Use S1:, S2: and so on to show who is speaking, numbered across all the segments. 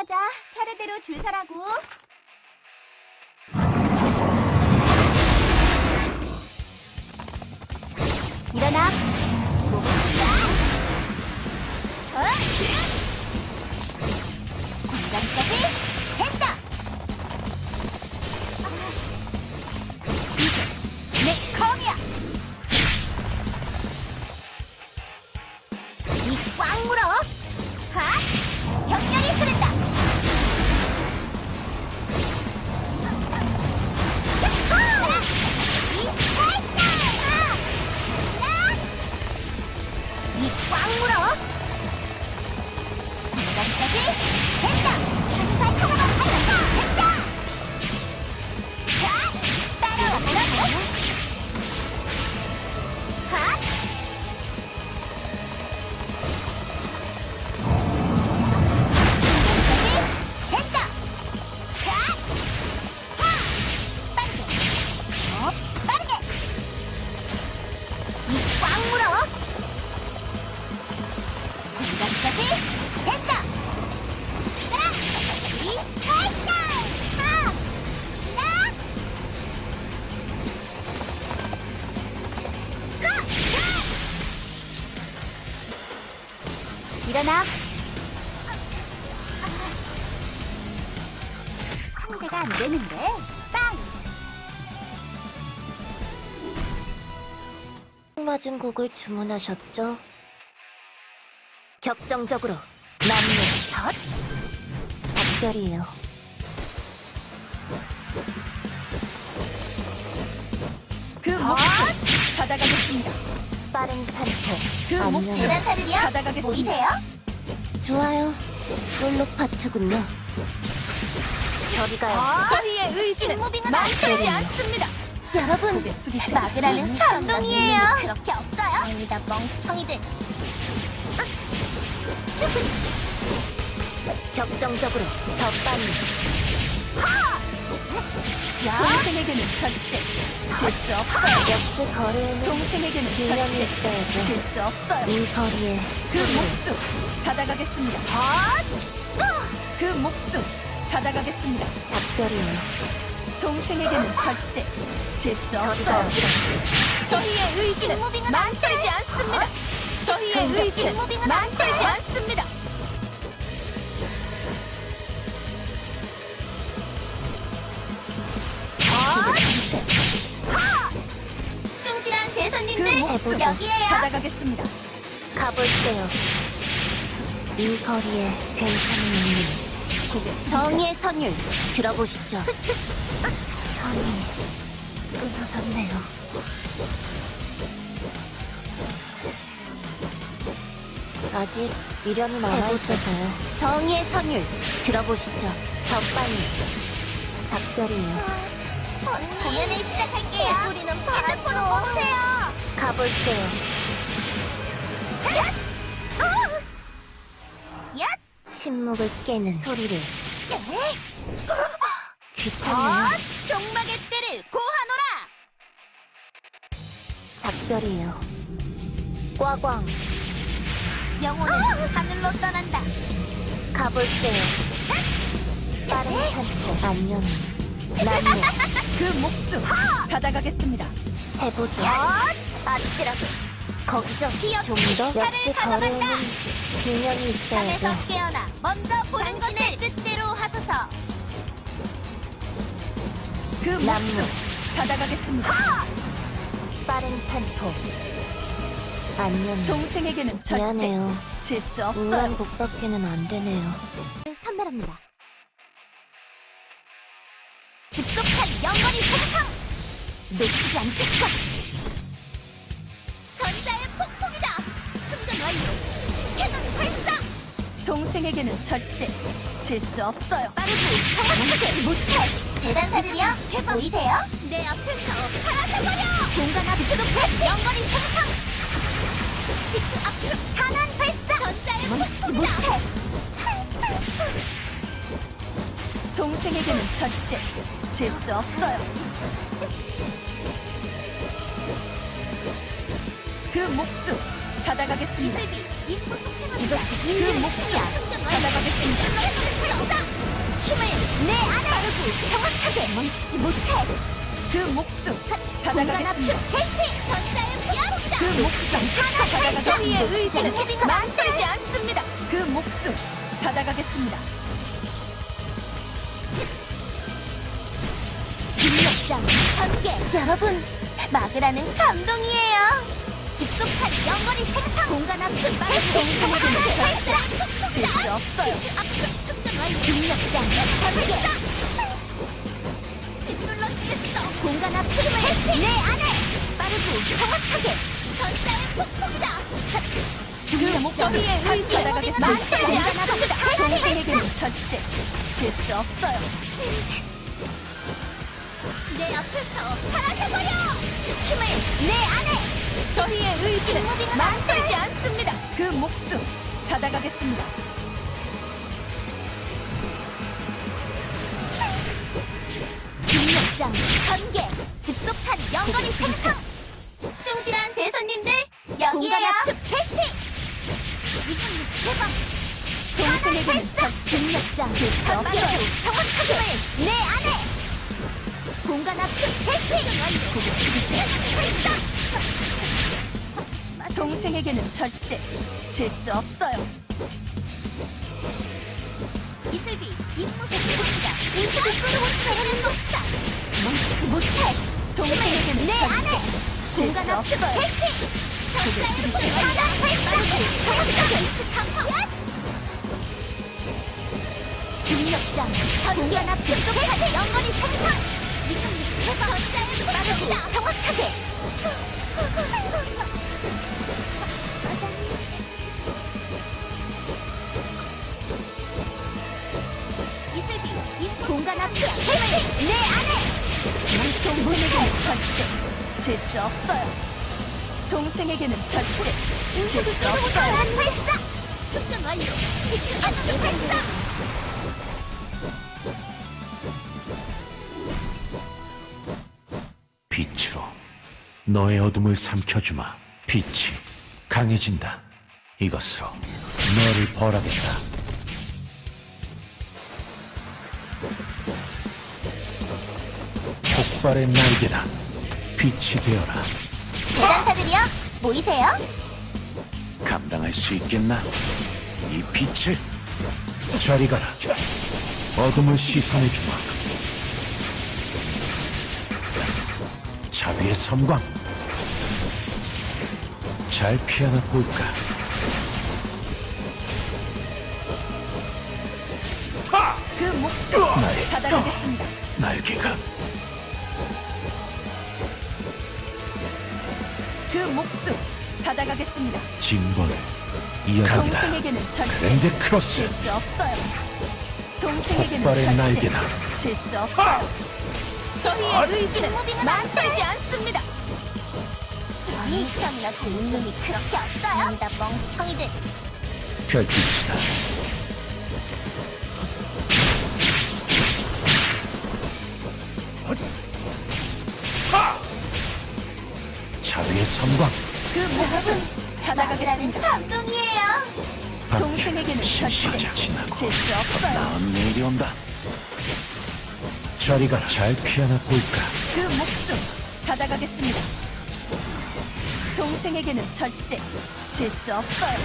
S1: 하자. 차례대로 줄 서라고. 일어나. 몸을 준다. 공간까지 했다. 이게 내 검이야. 이 꽉 물어. 하! 격렬히 흐른다. 이 꽉 물어. 공간까지 됐다. 한발 살아가 됐다. 자, 따라오라고. 하! 됐다! 자! 하! 빠르게! 빠르게! 이 꽉 물어! 공간까지 됐다! 따라! 이 스페셜! 하! 신나! 하! 하! 일어나! 상대가 안 되는데 빵!
S2: 맞은 곡을 주문하셨죠? 격정적으로 남는 덧 작별이에요.
S3: 그 몫을 받아가겠습니다.
S2: 빠른 템포
S3: 그
S2: 안녕.
S3: 몫을
S1: 지난살을요?
S3: 받아가겠습니다.
S1: 보이세요?
S2: 좋아요. 솔로 파트군요. 저리 가요.
S3: 저희의 의지는
S1: 무빙은
S3: 망설이지
S2: 안
S3: 않습니다.
S1: 여러분,
S3: 고개 숙이세요.
S1: 막으라는 감동이에요. 그렇게 없어요? 아니다, 멍청이들.
S2: 격정적으로 더 빨리
S3: 동생에게는 절대 질 수 없어요.
S2: 역시 거리에는
S3: 동생에게는
S2: 균형이
S3: 절대
S2: 있어야죠.
S3: 질 수 없어요.
S2: 이 거리에
S3: 그
S2: 소리를
S3: 몫을 받아가겠습니다. 그 몫을 받아가겠습니다.
S2: 작별이에요.
S3: 동생에게는 절대 질 수
S2: 저리
S3: 없어요.
S2: 가요.
S3: 저희의 의지는
S1: 무빙은
S3: 망설이지 않습니다. 저희의 의지는
S1: 무빙은
S3: 망설이지 않습니다.
S1: 충실한
S3: 그
S1: 제손님들
S3: 몫을
S1: 여기에요.
S3: 받아가겠습니다.
S2: 가볼게요. 이 거리에 괜찮은 인물.
S3: 고개
S2: 정의의 선율 들어보시죠. 선이 끊어졌네요. 아직 미련이 남아있어서요. 정의의 선율 들어보시죠. 더 빨리. 작별이에요.
S1: 공연을 시작할게요. 우리는 핸드폰을 보세요.
S2: 가볼게요.
S1: 야!
S2: 침묵을 깨는 소리를. 귀찮네요.
S1: 종막의 때를 고하노라.
S2: 작별이에요. 꽈광
S1: 영혼은 하늘로 떠난다.
S2: 가볼게요. 빠른 템포 안녕. 남녀
S3: 그 몫을 받아가겠습니다.
S2: 해보죠.
S1: 아찔하게
S2: 거기죠.
S1: 피어스,
S2: 좀 더.
S1: 살을
S2: 역시
S1: 가져간다.
S2: 거래에는 균형이
S1: 잠에서
S2: 있어야죠.
S1: 깨어나 먼저 보는 것을 뜻대로 하소서.
S3: 그
S2: 남녀.
S3: 몫을 받아가겠습니다.
S2: 빠른 템포 안녕.
S3: 동생에게는 절대
S2: 미안해요.
S3: 질 수
S2: 우울한
S3: 없어요.
S2: 곡밖에는 안 되네요.
S1: 선멸합니다. 급속한 영원히 생성! 놓치지 않겠어! 전자의 폭풍이다! 충전 완료! 캐논 발사!
S3: 동생에게는 절대 질 수 없어요.
S1: 빠르고 정확하게 못해! 재단사들이요? 보이세요? 내 앞에서 사라져버려! 공간 압축! 영원히 생성! 비트 압축! 가난 발사! 전자의 폭풍이다!
S3: 동생에게는 절대 질 수 없어요. 그 몫을 받아가겠습니다.
S1: 이슬비 인부 속행합니다.
S2: 이것이
S3: 그
S2: 인류의
S3: 목숨
S2: 힘이야.
S1: 충전
S3: 받아가겠습니다.
S1: 힘을 내 안에 빠르고 정확하게
S2: 멈추지 못해.
S3: 그 목숨
S1: 공간 압축
S3: 받아가겠습니다.
S1: 개시 전자의 폭풍이다.
S3: 그 목숨 받아가겠습니다. 저희의 의지는
S1: 무빙은
S3: 망설이지 않습니다. 그 목숨 받아가겠습니다.
S1: 중력장 전개.
S2: 여러분, 막으라는 감동이에요.
S1: 집속한 연거리 생성. 공간 압축 빠르고
S3: 동생에게는
S1: 정확하게
S3: 질 수 없어요.
S1: 압축 충전 완료. 중력장 전개. 짓눌러 주겠어. 공간 압축을 내 안에 빠르고 정확하게 전자의 폭풍이다.
S3: 그 목소리에 의지 받아가겠습니다.
S1: 망설이지 않습니다.
S3: 동생에게는 절대 질 수 없어요.
S1: 내 앞에서 사라져버려. 힘을 내 안에.
S3: 저희의 의지는
S1: 무빙은
S3: 망설이지 않습니다. 그 목숨 받아가겠습니다.
S1: 중력장 전개. 집속탄 연거리 생성.
S2: 충실한 제선님들,
S1: 공간 압축 개시. 위성력 개방.
S3: 동생에게는 절
S1: 중력장
S3: 질 수 없어요.
S1: 정확하게 내 안에. 공간 압축 개시.
S3: 고개 숙이세요.
S1: 발사.
S3: 동생에게는 절대 질 수 없어요.
S1: 이슬비 임무 속도입니다. 이슬비 끌어올리는 모습다. 멈추지 못해.
S3: 동생에게는
S1: 내 안에.
S3: 절대 질
S1: 공간
S3: 수
S1: 압축
S3: 없어요.
S1: 개시. 전자의 축을 바다 발사하게 정확하게 강화. 중력장 공간 압축 속에 연거리 생성. 위성력 개방. 전자의 빠르고 정확하게. 이슬비 임무 공간 압축 개시. 내 안에.
S3: 동생에게는 절대 질 수 없어요. 동생에게는 절대 질 수 없어요.
S1: 발사! 축전 완료! 비트 압축 발사!
S4: 빛으로 너의 어둠을 삼켜주마. 빛이 강해진다. 이것으로 너를 벌하겠다. 폭발의 날개다. 빛이 되어라.
S2: 재단사들이요, 모이세요.
S4: 감당할 수 있겠나? 이 빛을 저리 가라. 어둠을 씻어내주마. 자비의 섬광. 잘 피하나 볼까?
S3: 그 목숨
S4: 나의
S3: 받아가겠습니다.
S4: 날개가
S3: 그 목숨 받아가겠습니다.
S4: 진보를 이어가기다.
S3: 동생에게는 절대
S4: 그랜드 크로스.
S3: 질 수 없어요. 동생에게는
S4: 폭발의
S3: 절대
S4: 날개다.
S3: 질 수 없어요. 저희의 의지는 망설이지 않습니다.
S2: 이 병이나 좋은 놈이 그렇게 없어요. 아니다, 멍청이들.
S4: 별빛이다. 자비의 섬광.
S3: 그 목숨 받아가겠습니다.
S2: 감동이에요.
S3: 동생에게는 절대
S4: 시작 지나고
S3: 질 수 없어요.
S4: 나은 내일이 온다. 저리 가라. 잘 피하나 볼까?
S3: 그 목숨 받아가겠습니다. 동생에게는 절대 질 수 없어요.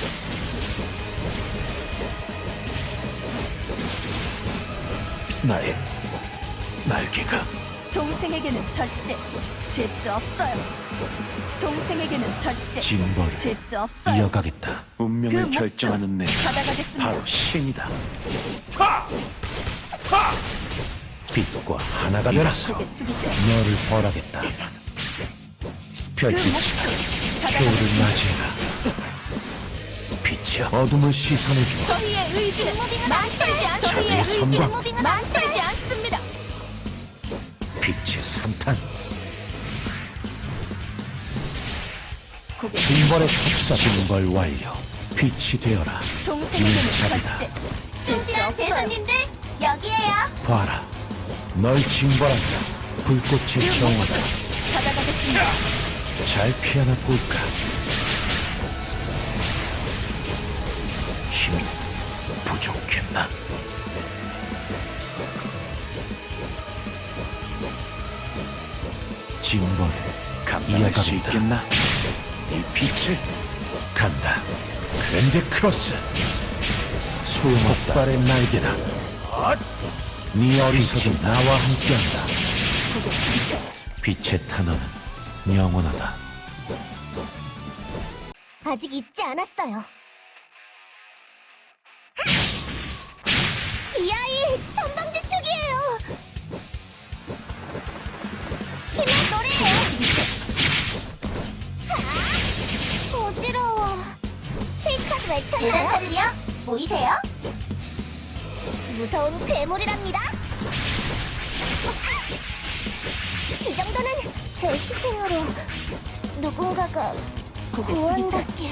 S4: 나의 날개가
S3: 동생에게는 절대 질 수 없어요. 동생에게는 절대
S4: 진보를
S3: 질 수 없어요.
S4: 이어가겠다. 운명을
S3: 그 목숨
S4: 결정하는 내
S3: 받아가겠습니다.
S4: 바로 신이다. 빛과 하나가 되라.
S3: 고개 숙이세요.
S4: 너를 벌하겠다.
S3: 그
S4: 별빛이다.
S3: 목숨
S4: 최후를
S3: 받아가겠습니다.
S4: 맞이해라. 빛이 어둠을 씻어내주마.
S3: 저희의 의지는 망설이지 않습니다.
S4: 자비의
S3: 저희의 의지는
S4: 선광.
S3: 망설이지 않습니다.
S4: 빛의 산탄.
S3: 고개
S4: 징벌의 속삭. 징벌 완료. 빛이 되어라.
S3: 동생에게는
S4: 일자리다.
S3: 절대 질 수
S2: 충실한
S3: 없어요.
S2: 제선님들, 여기에요.
S4: 봐라. 널 징벌한다. 불꽃의
S3: 그
S4: 정원아.
S3: 목숨 받아가겠습니다.
S4: 잘 피하나 볼까? 힘이 부족했나? 징벌
S5: 감당할 수
S4: 이어가겠다.
S5: 있겠나? 이 빛을
S4: 간다. 그랜드 크로스. 소용없다. 폭발의 날개다. 네 어리석음 나와 함께한다. 빛의 탄원은 영원하다.
S1: 아직 잊지 않았어요. 이 아이 전방지 쪽이에요. 힘의 노래예요. 어지러워. 실컷 외쳤나요?
S2: 대단사들이요? 보이세요?
S1: 무서운 괴물이랍니다. 이 정도는 제 희생으로 누군가가 구원받길.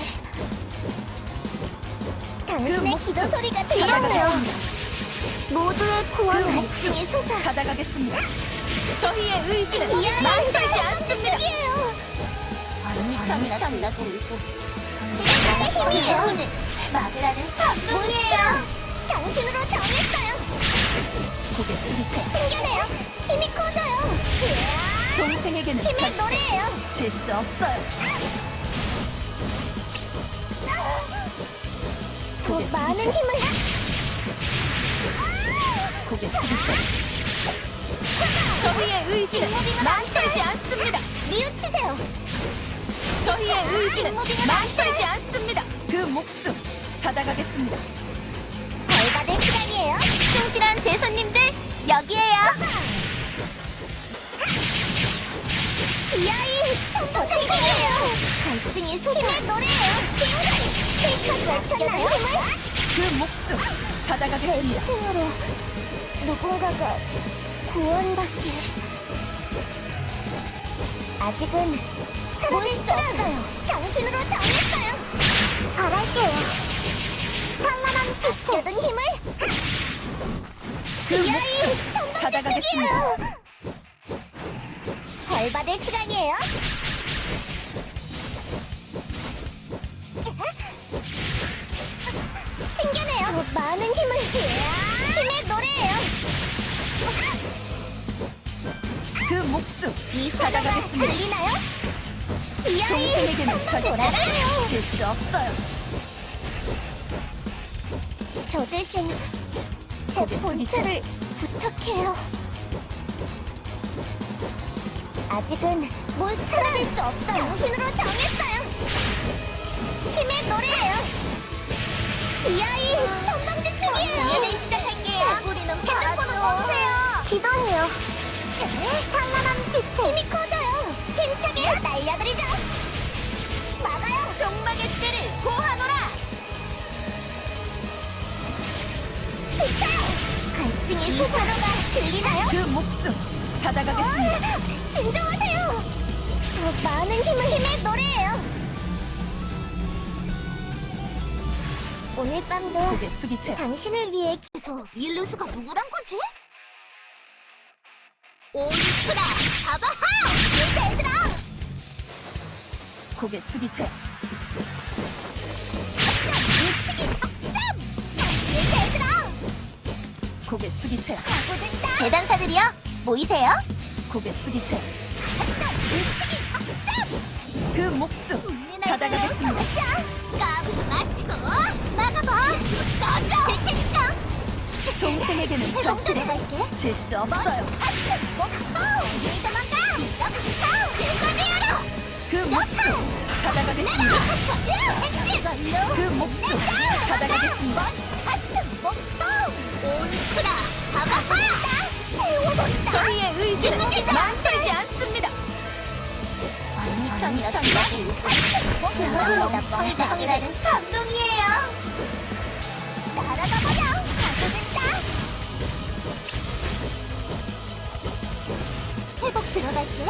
S1: 당신의
S3: 목숨
S1: 기도 소리가 들려요.
S3: 받아가겠습니다.
S1: 모두의 구원
S3: 그
S1: 말씀이 솟아.
S3: 받아가겠습니다. 저희의 의지는
S1: 이 아이
S3: 망설이지 않습니다.
S1: 않습니다.
S2: 언니편이나 달라고
S1: 지금 나의 힘이에요.
S2: 저희는 막으라는 감동이에요.
S1: 당신으로 정했어요.
S3: 고개 숙이세요.
S1: 챙겨내요. 힘이 커져요.
S3: 동생에게는
S1: 힘의
S3: 절대
S1: 노래예요.
S3: 질 수 없어요.
S1: 더
S3: 고개
S1: 많은
S3: 숙이세요.
S1: 힘을.
S3: 고개 숙이세요. 저희의 의지는 망설이지 않습니다.
S1: 뉘우치세요.
S3: 저희의 의지는 망설이지 않습니다. 그 목숨 받아가겠습니다.
S1: 벌받을 시간이에요.
S2: 충실한 제손님들 여기에요.
S1: 이 아이 전부 생각이에요. 갈증이 솟아. 힘의 노래예요. 실컷 외쳤나요? 힘을.
S3: 그 목숨
S1: 제
S3: 받아가겠습니다.
S1: 희생으로 누군가가 구원받길. 아직은 사라질 수 없어요. 당신으로 정했어요. 바랄게요. 찬란한 빛에 든 힘을.
S3: 그
S1: 이 아이
S3: 목숨
S1: 전방지
S3: 받아가겠습니다.
S1: 쪽이에요. 벌받을 시간이에요. 튕겨내요. 더 많은 힘을. 힘의 노래예요.
S3: 그 목숨
S1: 이 화가
S3: 받아가겠습니다.
S1: 들리나요? 이 아이
S3: 동생에게는
S1: 전부
S3: 절대
S1: 돌아가요.
S3: 질 수 없어요.
S1: 저 대신 제
S3: 고개
S1: 본체를 부탁해요. 아직은 못 사라질 수 없어요. 당신으로 정했어요. 힘의 노래예요. 이 아이 전방지 쪽이에요.
S2: 이제 시작할게요.
S1: 우리는
S2: 핸드폰은 꺼주세요.
S1: 기도해요. 찬란한 빛에 힘이 커져요. 힘차게 날려드리죠. 막아요.
S2: 종막의 때를 고하노라.
S1: 비켜요. 갈증이 솟아나가 들리나요?
S3: 그 목숨 받아가겠습니다.
S1: 진정하세요. 더 많은 힘의 노래예요. 오늘 밤도
S3: 고개 숙이세요.
S1: 당신을 위해 기서 율루스가 누구란 거지? 온스라 사바하! 얘들아!
S3: 고개 숙이세요.
S1: 무식이 적삼! 얘들아!
S3: 고개 숙이세요.
S1: 가고든다!
S2: 재단사들이요? 보이세요?
S3: 고개 숙이세요.
S1: 무식이 적삼!
S3: 그 목숨 받아가겠습니다.
S1: 까부지 마시고 막아봐! 꺼져! 질 테니까!
S3: 동생에게는 절대
S1: 들어갈게.
S3: 질 수 없어요.
S1: 목통! 도망가! 역쳐! 질거리하러!
S3: 그 목숨 받아가겠습니다. 그 목숨 받아가겠습니다.
S1: 가슴 목통! 온수라! 가봐봐! 태워본다!
S3: 저희의 의지는 망설이지 않습니다.
S2: 언니편이나 달라고 청청이라는 감동이에요.
S1: 날아가 버려! 가고든다! 회복 들어갈게.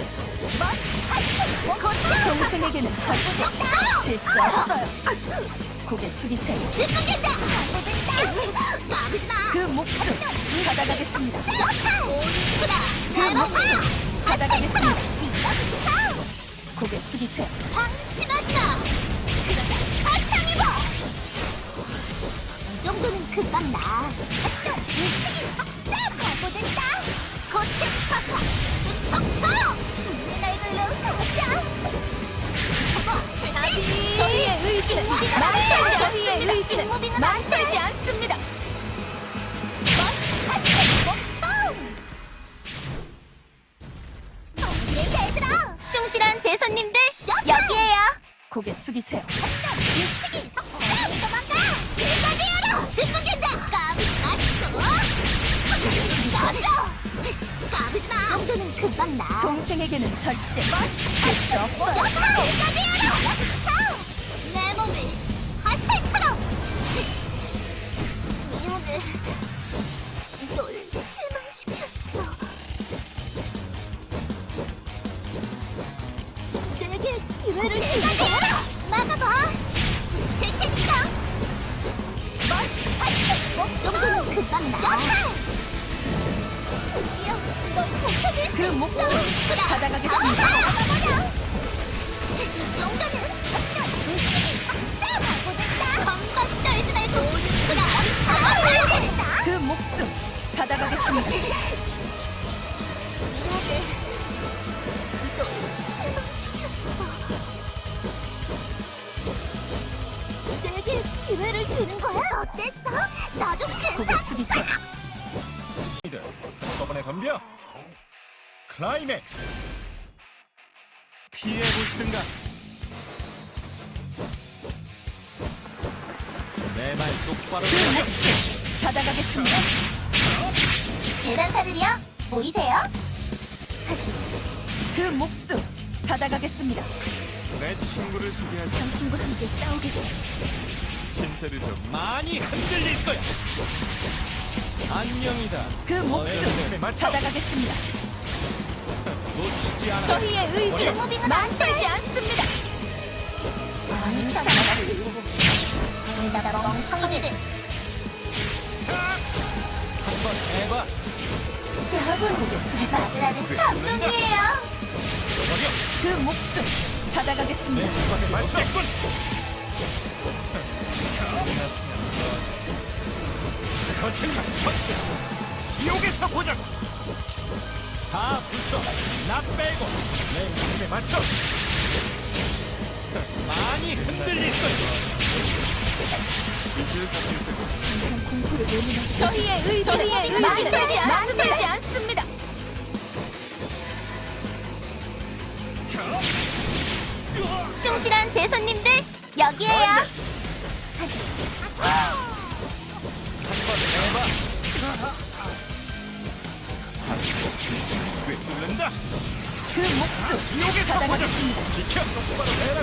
S3: 동생에게는 절대 질 수 없어요. 고개 숙이세요.
S1: 짓궂겠다! 가고든다! 까부지 마!
S3: 그 목숨 받아가겠습니다.
S1: 온수라!
S3: 그 목숨 받아가겠습니다.
S1: 밀어붙여!
S3: 고개 숙이세요.
S1: 방심하지 마! 그러다 다시 당해봐! 금방 나. 또 무식이 석사 가보된다. 고택 사사 척척. 우리 날걸로 가자.
S3: 저희의 의지는 망설이지 않습니다.
S1: 충실한 제손님들 여기에요.
S3: 고개 숙이세요.
S1: 유식이 석사 도망가. 제가 되어라. 진문된다. 까불지 마시고. 꺼져. 까불지 마. 정도는 금방 나.
S3: 동생에게는 절대 질 수 없어요.
S1: 제가 되어라. 내 몸을 화살처럼. 미운을 널 실망시켰어. 내게 기회를 주세요. 막아봐. 쓸 테니까. 정도는 금방 나. 드디어 널 고쳐줄 수
S3: 그
S1: 있어.
S3: 목숨 받아가겠습니다.
S1: 막아버려. 이 정도는 조심히 석사 가보겠다. 건강 떨지 말고 그라 잡아버려야 된다.
S3: 그 목숨 받아가겠습니다.
S1: 미안해. 널 실망시켰어. 내게 기회를 주는 거야? 어땠어? 나 좀
S3: 고개
S1: 괜찮아.
S3: 숙이세요.
S5: 한꺼번에 덤벼. 클라이맥스. 피해 보시든가. 내 말 똑바로
S3: 그
S5: 들어.
S3: 목숨 받아가겠습니다.
S1: 재단사들이요? 보이세요?
S3: 그 목숨 받아가겠습니다.
S5: 내 친구를 소개하자.
S1: 당신과 함께 싸우겠어.
S5: 신세를 좀 많이 흔들릴 거야. 안녕이다.
S3: 그 목숨 받아가겠습니다.
S5: 놓치지 않아.
S3: 저희의 의지는 망설이지 않습니다.
S1: 나라 멍청이들.
S5: 한번 해봐.
S3: 고개 숙이세요.
S1: 아들아들 감동이에요.
S5: 버려.
S3: 그 목숨 받아가겠습니다.
S5: 센스밖에 맞췄군. 끝났으면 거슬러 펀치. 지옥에서 보자고. 다 부숴. 나 빼고 내 힘에 맞춰. 많이 흔들릴 거야.
S3: 저희의 의지는 망설이지 않습니다.
S1: 충실한 제손님들 여기에요.
S5: 한번 해봐. 다시 꽤 뚫는다.
S3: 그 목숨
S5: 지옥에서 보자.
S3: 받아가겠습니다.
S5: 지켜 똑바로 해라고.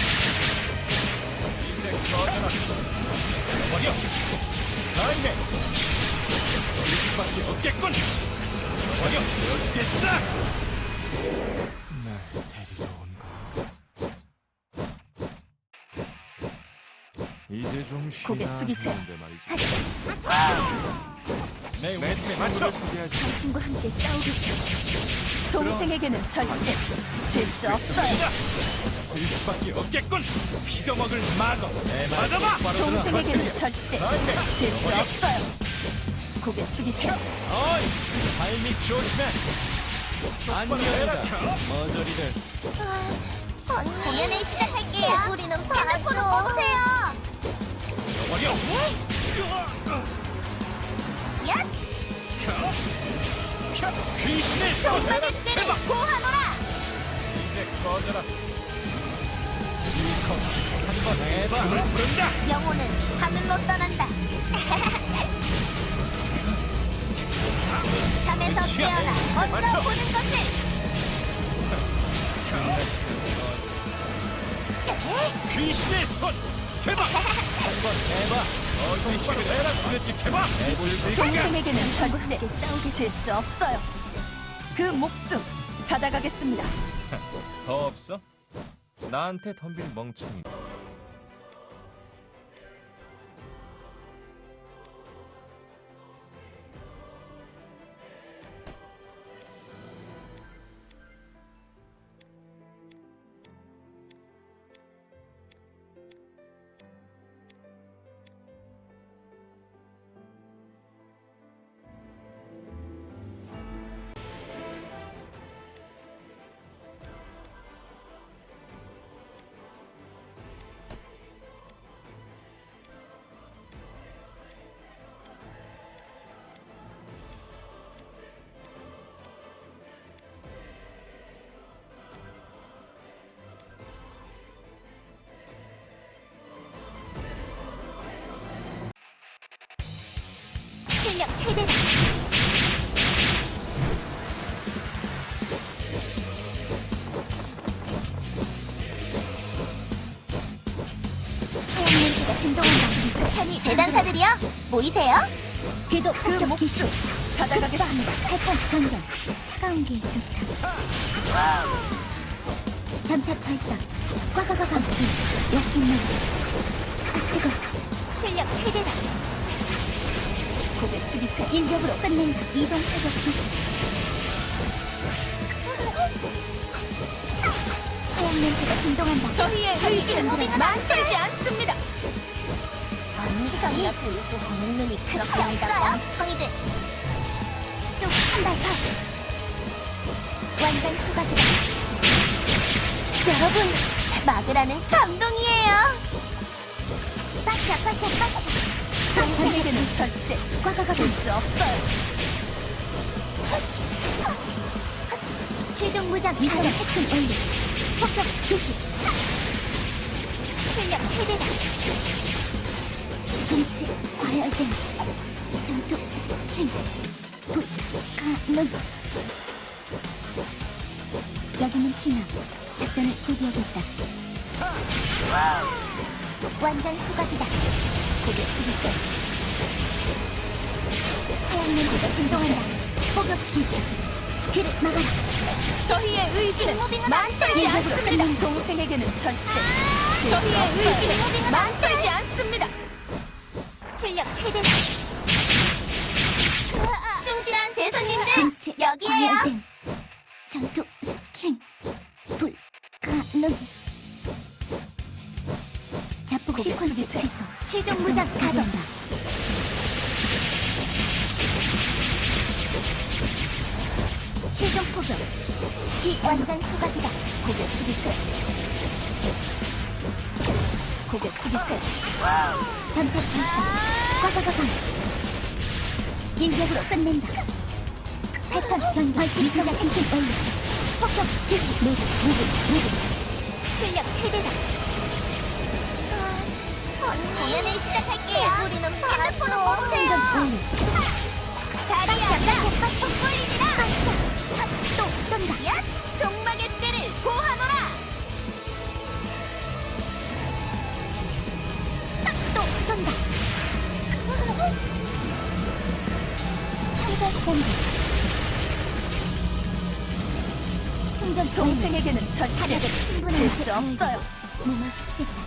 S5: 이제 꺼져라. 버려. 라인에 쓸 수밖에 없겠군. 버려. 놓치겠어. 날 데리러 온 건가? 이제 좀 쉬나
S3: 고개 숙이세요.
S5: 했는데 말이지. 내 팀에 맞춰. 소개하지.
S1: 당신과 함께 싸우겠어.
S3: 동생에게는 절대 질 수 없어요.
S5: 쓸 수밖에 없겠군. 피가 먹을 막어. 받아봐.
S3: 동생에게는 절대 질 수 없어요. 고개 숙이세요.
S5: 어이, 발밑 조심해. 안녕이다. 머저리들.
S1: 공연을 시작할게요. 우리는 핸드폰을 꺼주세요.
S5: 버려.
S1: 야,
S5: 귀신의
S1: 정말을
S5: 손.
S1: 때려 고하노라.
S5: 이제 꺼져라. 이컵 한번 해봐. 힘을 부른다.
S1: 영혼은 하늘로 떠난다. 잠에서 깨어나 먼저
S5: 맞춰.
S1: 보는 것을.
S5: 귀신의 손. 대박. 한번 해봐. 똑바로 해라. 해봐. 해볼 수 있겠냐?
S3: 동생에게는 절대 질 수 없어요. 그 목숨 받아가겠습니다.
S5: 더 없어? 나한테 덤빌 멍청이.
S1: 출력 최대다. 하얀 냄새가 진동한다. 편이 재단사들이요? 모이세요? 궤도
S3: 그
S1: 폭격 기시.
S3: 몫을 받아가겠습니다.
S1: 탈탄 변경. 차가운 게 좋다. 잠탁 발사. 꽉꽉꽉. 약했네. 뜨거. 출력 최대다.
S3: 고개 숙이세요.
S1: 인력으로 끝낸다. 이동 사격 기시. 하얀 냄새가 진동한다.
S3: 저희의 의지는
S1: 무빙은
S3: 망설이지 않습니다.
S1: 언니가 불고 보는 눈이 그렇게 없어요? 청이들. 쑥 한발 더. 완전 수박이다. 여러분, 막으라는 감동이에요. 빠샤 빠샤 빠샤.
S3: 동생에게는 절대
S1: 꽉꽉꽉.
S3: 질 수 없어요.
S1: 최종 무장 미사일 해킹 올리. 폭격 교시. 출력 최대다. 동체 과열된 전투 스캔 불가능. 여기는 티나. 작전을 재개하겠다. 완전 수각이다.
S3: 고개 숙이세요.
S1: 하얀 냄새가 진동한다. 폭격 교시. 귀를 막아라.
S3: 저희의 의지는 망설이지
S1: 일부러
S3: 않습니다.
S1: 끝낸다.
S3: 동생에게는 절대 질 수
S1: 저희의
S3: 없어요.
S1: 의지는
S3: 망설이지 않습니다.
S1: 출력 최대다.
S2: 충실한 제사님들
S1: 동체
S2: 여기에요.
S1: 과열된 전투 스캔 불가능. 자폭
S3: 고개
S1: 시퀀스
S3: 숙이세요.
S1: 취소. 최종 무장 자동. 최종 포격. 뒤 완전 소각이다.
S3: 고개 숙이세요. 고개 숙이세요.
S1: 전택 발사. 꽉꽉꽉. 인격으로 끝낸다. 패턴 변경. 미사자 기시 완료. 폭격 기시. 무브. 출력 최대다.
S2: 공연을 시작할게요. 우리는 핸드폰을
S1: 충전
S2: 뽑으세요.
S1: 완료.
S2: 다리야
S1: 빠샤.
S2: poli리라.
S1: 빠샤. 또 쏜다.
S2: 야 종막의 때를 고하노라.
S1: 또 쏜다. 상상 시간이다. 충전 완료.
S3: 동생에게는 절대
S1: 하늘을 충분한
S3: 질 수 없어요.
S1: 무마시키겠다.